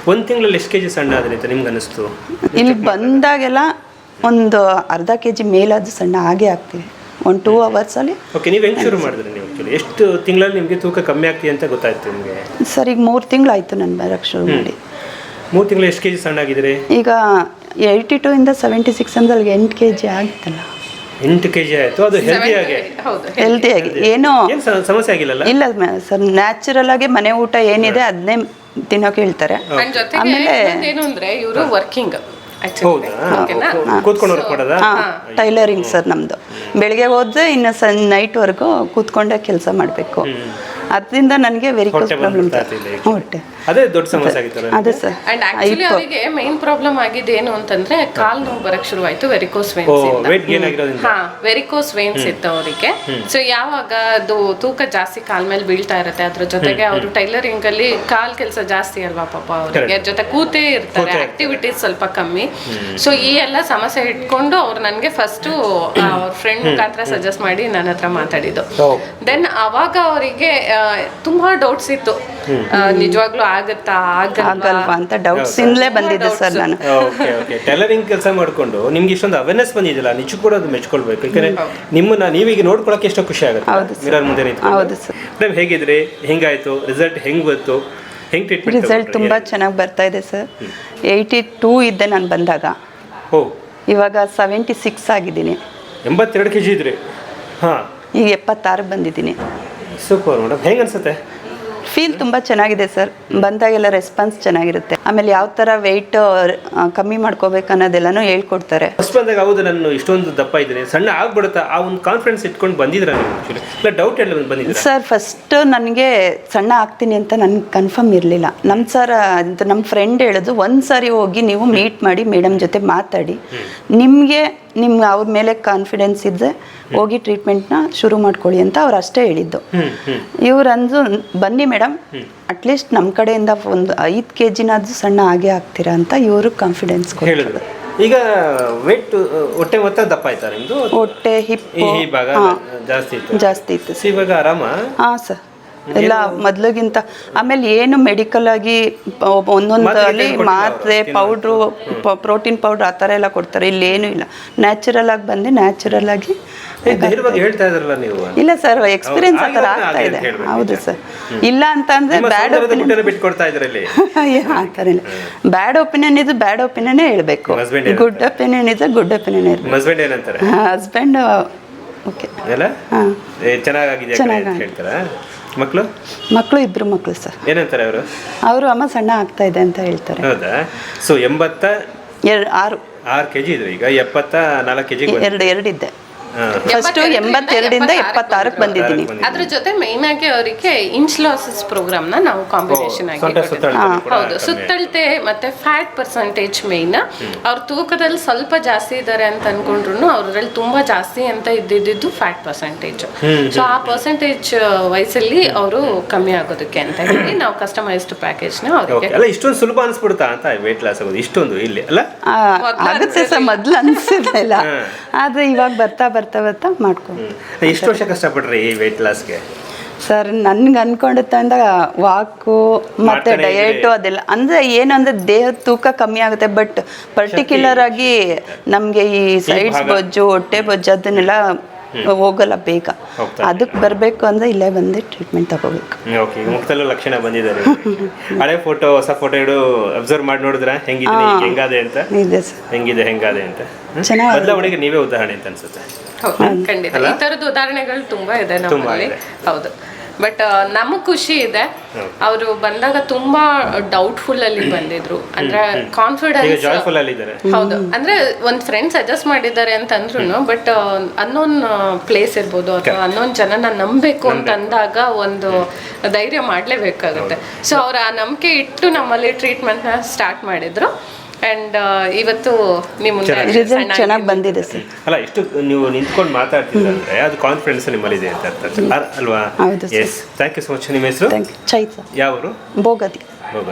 ಒಂದು ತಿಂಗಳಲ್ಲಿ ಎಷ್ಟು ಕೆಜಿ ಸಣ್ಣ ಆದ್ರಿ ಅಂತ ನಿಮ್ಗೆ ಅನಿಸ್ತು? ಇಲ್ಲಿ ಬಂದಾಗೆಲ್ಲ ಒಂದು ಅರ್ಧ ಕೆಜಿ ಮೇಲಾದ ಸಣ್ಣ ಹಾಗೆ ಆಗ್ತೀವಿ ಒಂದು 2 ಅವರ್ಸಲ್ಲಿ. ಓಕೆ, ನೀವು ಹೆಂಗೆ ಶುರು ಮಾಡಿದ್ರಿ? ನೀವು ಆ್ಯಕ್ಚುಲಿ ಎಷ್ಟು ತಿಂಗಳಲ್ಲಿ ನಿಮಗೆ ತೂಕ ಕಮ್ಮಿ ಆಗ್ತೀವಿ ಅಂತ ಗೊತ್ತಾಯ್ತು ನಿಮಗೆ? ಸರ್ ಈಗ 3 ತಿಂಗಳಾಯ್ತು ನಾನು ಬರೋಕ್ಕೆ ಶುರು ಮಾಡಿ. 3 ತಿಂಗಳು ಎಷ್ಟು ಕೆಜಿ ಸಣ್ಣ ಆಗಿದ್ದೀರಿ? ಈಗ 82 ಇಂದ 76 ಅಂದ್ರೆ ಅಲ್ಲಿಗೆ 8 ಕೆಜಿ ಆಗಿತ್ತಲ್ಲ. 8 ಕೆಜಿ ಆಯಿತು. ಅದು ಹೆಲ್ದಿಯಾಗಿ ಏನೋ ಸಮಸ್ಯೆ ಆಗಿಲ್ಲಲ್ಲ? ಇಲ್ಲ ಸರ್, ನ್ಯಾಚುರಲ್ ಆಗಿ ಮನೆ ಊಟ ಏನಿದೆ ಅದನ್ನೇ ತಿನ್ನೋಕೆ ಹೇಳ್ತಾರೆ. ಆಮೇಲೆ ಏನು ಅಂದ್ರೆ ಇವರು ವರ್ಕಿಂಗ್ ಟೈಲರಿಂಗ್ ಸರ್ ನಮ್ದು. ಬೆಳಿಗ್ಗೆ ಹೋದ್ರೆ ಇನ್ನು ನೈಟ್ವರೆಗೂ ಕೂತ್ಕೊಂಡೆ ಕೆಲಸ ಮಾಡಬೇಕು. ಅದರಿಂದ ನನಗೆ ವೆರಿಕೋಸ್ ಪ್ರಾಬ್ಲಮ್ ಹೊಟ್ಟೆ ಅದೇ ದೊಡ್ಡ ಸಮಸ್ಯೆ ಆಗಿತ್ತು. ಅದೇ ಸರ್. ಅಂಡ್ ಆಕ್ಚುಲಿ ಅವರಿಗೆ ಮೇನ್ ಪ್ರಾಬ್ಲಮ್ ಆಗಿದೆ ಏನು ಅಂತಂದ್ರೆ ಕಾಲ್ ನೋವು ಬರಕ್ ಶುರುವಾಯ್ತು ವೆರಿಕೋಸ್ ವೇನ್ಸ್ ಇಂದ. ವೆರಿಕೋಸ್ ವೇನ್ಸ್ ಇತ್ತು ಅವರಿಗೆ. ಸೊ ಯಾವಾಗ ಅದು ತೂಕ ಜಾಸ್ತಿ ಕಾಲ್ ಮೇಲೆ ಬೀಳ್ತಾ ಇರುತ್ತೆ, ಅದ್ರ ಜೊತೆಗೆ ಅವರು ಟೈಲರಿಂಗ್ ಅಲ್ಲಿ ಕಾಲ್ ಕೆಲಸ ಜಾಸ್ತಿ ಅಲ್ವಾ ಪಾಪ ಅವರಿಗೆ, ಜೊತೆ ಕೂತೇ ಇರ್ತಾರೆ, ಆಕ್ಟಿವಿಟೀಸ್ ಸ್ವಲ್ಪ ಕಮ್ಮಿ. ಸೊ ಈ ಎಲ್ಲ ಸಮಸ್ಯೆ ಇಟ್ಕೊಂಡು ಅವ್ರು ನನಗೆ ಫಸ್ಟ್ ಅವ್ರ ಫ್ರೆಂಡ್ ಮುಖಾಂತರ ಸಜೆಸ್ಟ್ ಮಾಡಿ ನನ್ನ ಹತ್ರ ಮಾತಾಡಿದ್ದು. ದೆನ್ ಅವಾಗ ಅವರಿಗೆ ತುಂಬಾ ಡೌಟ್ಸ್ ಇತ್ತು, ನಿಜವಾಗ್ಲೂ ಆಗತ್ತಾ ಆಗಲ್ವಾ ಅಂತ ಡೌಟ್ಸ್ ಇಂದಲೇ ಬಂದಿದೆ ಸರ್. ನಾನು ಟೈಲರಿಂಗ್ ಕೆಲಸ ಮಾಡ್ಕೊಂಡು ನಿಮ್ಗೆ ಇಷ್ಟೊಂದು ಅವೇರ್ನೆಸ್ ಬಂದಿದಿಲ್ಲ, ನಿಜಕ್ಕೂ ಕೂಡ ಅದು ಮೆಚ್ಕೊಳ್ಬೇಕು. ಯಾಕಂದ್ರೆ ನಿಮ್ಮನ್ನ ನೀವೀಗ ನೋಡ್ಕೊಳಕ್ಕೆ ಎಷ್ಟೋ ಖುಷಿ ಆಗುತ್ತೆ ಮಿರರ್ ಮುಂದೆ ನಿಂತ್ಕೊಂಡು. ಹೌದು ಸರ್. ಮೇಡಮ್ ಹೇಗಿದ್ರಿ? ಹೆಂಗಾಯ್ತು ರಿಸಲ್ಟ್? ಹೆಂಗ್ ಬಂತು? ಹೆಂಗ್ ಟ್ರೀಟ್ಮೆಂಟ್? ರಿಸಲ್ಟ್ ತುಂಬಾ ಚೆನ್ನಾಗಿ ಬರ್ತಾ ಇದೆ ಸರ್. 82 ಇದ್ದೆ ನಾನು ಬಂದಾಗ. ಇವಾಗ 76 ಆಗಿದ್ದೀನಿ. 82 ಕೆಜಿ ಇದ್ರಿ? ಹಾಂ, ಈಗ 76 ಬಂದಿದ್ದೀನಿ. Super madam. ಹೆಂಗೆ ಅನ್ಸುತ್ತೆ? ಫೀಲ್ ತುಂಬ ಚೆನ್ನಾಗಿದೆ ಸರ್. ಬಂದಾಗೆಲ್ಲ ರೆಸ್ಪಾನ್ಸ್ ಚೆನ್ನಾಗಿರುತ್ತೆ. ಆಮೇಲೆ ಯಾವ ಥರ ವೆಯ್ಟ್ ಕಮ್ಮಿ ಮಾಡ್ಕೋಬೇಕು ಅನ್ನೋದೆಲ್ಲನೂ ಹೇಳ್ಕೊಡ್ತಾರೆ. ಫಸ್ಟ್ ಬಂದಾಗ ಹೌದು ನಾನು ಇಷ್ಟೊಂದು ದಪ್ಪ ಇದ್ದೀನಿ, ಸಣ್ಣ ಆಗ್ಬಿಡುತ್ತಾ, ಆ ಒಂದು ಕಾನ್ಫಿಡೆನ್ಸ್ ಇಟ್ಕೊಂಡು ಬಂದಿದ್ರ ನೀವು? ಆ್ಯಕ್ಚುಲಿ ಇಲ್ಲ ಡೌಟ್ ಎಲ್ಲ ಬಂದಿದ್ದೀರಾ ಸರ್? ಫಸ್ಟ್ ನನಗೆ ಸಣ್ಣ ಆಗ್ತೀನಿ ಅಂತ ನನಗೆ ಕನ್ಫರ್ಮ್ ಇರಲಿಲ್ಲ. ನಮ್ಮ ಫ್ರೆಂಡ್ ಹೇಳಿದ್ರು, ಒಂದು ಸಾರಿ ಹೋಗಿ ನೀವು ಮೀಟ್ ಮಾಡಿ ಮೇಡಮ್ ಜೊತೆ ಮಾತಾಡಿ, ನಿಮಗೆ ಅವ್ರ ಮೇಲೆ ಕಾನ್ಫಿಡೆನ್ಸ್ ಇದ್ದರೆ ಹೋಗಿ ಟ್ರೀಟ್ಮೆಂಟ್ನ ಶುರು ಮಾಡ್ಕೊಳ್ಳಿ ಅಂತ ಅವ್ರು ಅಷ್ಟೇ ಹೇಳಿದ್ದು. ಇವ್ರಂದು ಬನ್ನಿ ಮೇಡಮ್, ಅಟ್ಲೀಸ್ಟ್ ನಮ್ಮ ಕಡೆಯಿಂದ ಒಂದು 5 ಕೆಜಿನಾದ್ರೂ ಸಣ್ಣ ಆಗೇ ಆಗ್ತೀರಾ ಅಂತ ಇವರು ಕಾನ್ಫಿಡೆನ್ಸ್ ಹೇಳಿದ್ರು. ಈಗ ವೇಟ್ ಹೊಟ್ಟೆ ಮೊತ್ತ ದಪ್ಪ ಆಯ್ತಾ ನಿಮ್ಮದು? ಹೊಟ್ಟೆ ಹಿಪ್ ಭಾಗ ಜಾಸ್ತಿ ಇತ್ತು. ಇವಾಗ ಆರಾಮ? ಹಾಂ ಸರ್, ಎಲ್ಲ ಮೊದಲಿಗಿಂತ. ಆಮೇಲೆ ಏನು ಮೆಡಿಕಲ್ ಆಗಿ ಒಂದೊಂದಲ್ಲಿ ಮಾತ್ರೆ, ಪೌಡ್ರು, ಪ್ರೋಟೀನ್ ಪೌಡ್ರ್ ಆ ಥರ ಎಲ್ಲ ಕೊಡ್ತಾರೆ. ಇಲ್ಲೇನೂ ಇಲ್ಲ, ನ್ಯಾಚುರಲ್ ಆಗಿ ಬಂದು ನ್ಯಾಚುರಲ್ ಆಗಿ. ಹೇಳ್ತಾ ಇದ್ರಲ್ಲ ನೀವು? ಇಲ್ಲ ಸರ್, ಎಕ್ಸ್ಪೀರಿಯನ್ಸ್ ಆ ಥರ ಆಗ್ತಾ ಇದೆ. ಹೌದು ಸರ್. ಇಲ್ಲ ಅಂತ ಅಂದ್ರೆ ಬ್ಯಾಡ್ ಒಪಿನಿಯನ್ ಬಿಟ್ಕೊಡ್ತಾ ಇದ್ರಲ್ಲಿ ಆ ಥರ ಇಲ್ಲ. ಬ್ಯಾಡ್ ಒಪಿನಿಯನ್ ಇದು ಬ್ಯಾಡ್ ಒಪಿನಿಯನ್ನೇ ಹೇಳಬೇಕು, ಗುಡ್ ಒಪಿನಿಯನ್ ಇದು ಗುಡ್ ಒಪಿನಿಯನ್ ಇರಬೇಕು. ಹಸ್ಬೆಂಡ್ ಏನಂತಾರೆ? ಹಸ್ಬೆಂಡ್ ಓಕೆ ಎಲ್ಲ ಚೆನ್ನಾಗಿದೆ ಅಂತ ಹೇಳ್ತಾರಾ? ಮಕ್ಕಳು 2 ಮಕ್ಕಳು ಸರ್. ಏನಂತಾರೆ ಅವರು? ಅಮ್ಮ ಸಣ್ಣ ಆಗ್ತಾ ಇದೆ ಅಂತ ಹೇಳ್ತಾರೆ. ಹೌದಾ? ಸೊ 86 ಕೆಜಿ ಇದ್ರು, ಈಗ 74 ಕೆಜಿ. 2 ಇದ್ದೆ ಫಸ್ಟ್. 82 ಇಂದ 76ಕ್ಕೆ ಬಂದಿದ್ದೀನಿ. ಅದ್ರ ಜೊತೆ ಮೈನ್ ಆಗಿ ಅವರಿಗೆ ಇನ್ಸ್ಲಾಸಿಸ್ ಪ್ರೋಗ್ರಾಮ್ ನ ನಾವು ಕಾಂಬಿನೇಷನ್ ಆಗಿ ಹೌದು, ಸುತ್ತಳತೆ ಮತ್ತೆ ಫ್ಯಾಟ್ ಪರ್ಸೆಂಟೇಜ್ ಮೈನ್. ಅವ್ರ ತೂಕದಲ್ಲಿ ಸ್ವಲ್ಪ ಜಾಸ್ತಿ ಇದ್ದಾರೆ ಅಂತ ಅನ್ಕೊಂಡ್ರು ಅವರಲ್ಲಿ ತುಂಬಾ ಜಾಸ್ತಿ ಅಂತ ಇದ್ದಿದ್ದು ಫ್ಯಾಟ್ ಪರ್ಸೆಂಟೇಜ್. ಸೊ ಆ ಪರ್ಸೆಂಟೇಜ್ ವಯಸ್ಸಲ್ಲಿ ಅವರು ಕಮ್ಮಿ ಆಗೋದಕ್ಕೆ ಅಂತ ಹೇಳಿ ನಾವು ಕಸ್ಟಮೈಸ್ಡ್ ಪ್ಯಾಕೇಜ್ ನ ಅವರಿಗೆ. ಇಷ್ಟೊಂದು ಸುಲಭ ಅನ್ಸ್ಬಿಡುತ್ತಾ ಅಂತ ವೇಟ್ ಲಾಸ್ ಆಗೋದು? ಇಷ್ಟೊಂದು ಇಲ್ಲಿ ಅಲ್ಲ ಆಗುತ್ತೆ ಸರ್, ಮೊದ್ಲು ಅನ್ಸಿರ್ಲಿಲ್ಲ, ಆದ್ರೆ ಇವಾಗ ಬರ್ತಾ ಮಾಡ್ಕೊಂಡು. ಎಷ್ಟು ವರ್ಷ ಕಷ್ಟಪಟ್ರಿ ಈ ವೇಟ್ ಲಾಸ್ಗೆ? ಸರ್ ನನ್ಗೆ ಅನ್ಕೊಂಡಿದ್ದ ವಾಕು ಮತ್ತೆ ಡಯಟು ಅದೆಲ್ಲ ಅಂದ್ರೆ ಏನಂದ್ರೆ ದೇಹದ ತೂಕ ಕಮ್ಮಿ ಆಗುತ್ತೆ, ಬಟ್ ಪರ್ಟಿಕ್ಯುಲರ್ ಆಗಿ ನಮಗೆ ಈ ಸೈಡ್ಸ್ ಬೊಜ್ಜು, ಹೊಟ್ಟೆ ಬೊಜ್ಜು ಅದನ್ನೆಲ್ಲ ಹೋಗಲ್ಲ ಬೇಗ. ಅದಕ್ಕೆ ಬರಬೇಕು ಅಂದ್ರೆ ಇಲ್ಲೇ ಬಂದು ಟ್ರೀಟ್ಮೆಂಟ್ ತಗೋಬೇಕು. ಓಕೆ, ಮುಖದಲ್ಲೂ ಲಕ್ಷಣ ಬಂದಿದ್ದಾರೆ. ಹಳೆ ಫೋಟೋ ಹೊಸ ಫೋಟೋ ಇಡು ಅಬ್ಸರ್ವ್ ಮಾಡಿ ನೋಡಿದ್ರ ಹೆಂಗಾದೆ ಅಂತ? ಹೆಂಗಾದೆ ಅಂತ ಬದಲಾವಣೆಗೆ ನೀವೇ ಉದಾಹರಣೆ ಅಂತ ಅನ್ಸುತ್ತೆ. ಖಂಡಿತ ಈ ತರದ ಉದಾಹರಣೆಗಳು ತುಂಬಾ ಇದೆ ನಮ್ಮಲ್ಲಿ. ಹೌದು, ಬಟ್ ನಮಗ್ ಖುಷಿ ಇದೆ. ಅವರು ಬಂದಾಗ ತುಂಬಾ ಡೌಟ್ಫುಲ್ ಅಲ್ಲಿ ಬಂದಿದ್ರು, ಅಂದ್ರೆ ಕಾನ್ಫಿಡೆನ್ಸ್. ಹೌದು, ಅಂದ್ರೆ ಒಂದ್ ಫ್ರೆಂಡ್ ಸಜೆಸ್ಟ್ ಮಾಡಿದ್ದಾರೆ ಅಂತ ಅಂದ್ರು, ಬಟ್ ಅನ್ನೋನ್ ಪ್ಲೇಸ್ ಇರ್ಬೋದು ಅಥವಾ ಅನ್ನೋನ್ ಜನನ ನಂಬಬೇಕು ಅಂತ ಅಂದಾಗ ಒಂದು ಧೈರ್ಯ ಮಾಡ್ಲೇಬೇಕಾಗುತ್ತೆ. ಸೊ ಅವ್ರ ಆ ನಂಬಿಕೆ ಇಟ್ಟು ನಮ್ಮಲ್ಲಿ ಟ್ರೀಟ್ಮೆಂಟ್ ನ ಸ್ಟಾರ್ಟ್ ಮಾಡಿದ್ರು. ಅಂಡ್ ಇವತ್ತು ನಿಮ್ಮ ರಿಸಲ್ಟ್ ಚೆನ್ನಾಗಿ ಬಂದಿದೆ ಸರ್. ಅಲ್ಲ, ಇಷ್ಟು ನೀವು ನಿಂತ್ಕೊಂಡು ಮಾತಾಡ್ತಿದ್ರೆ ಅದು ಕಾನ್ಫಿಡೆನ್ಸ್ ನಿಮ್ಮಲ್ಲಿದೆ ಅಂತ ಅಲ್ವಾ? ಹೌದು. Yes, thank you so much. ನಿಮ್ಮ ಹೆಸರು? ಚೈತ್ರ. ಯಾವ ಊರು? ಬೋಗದಿ.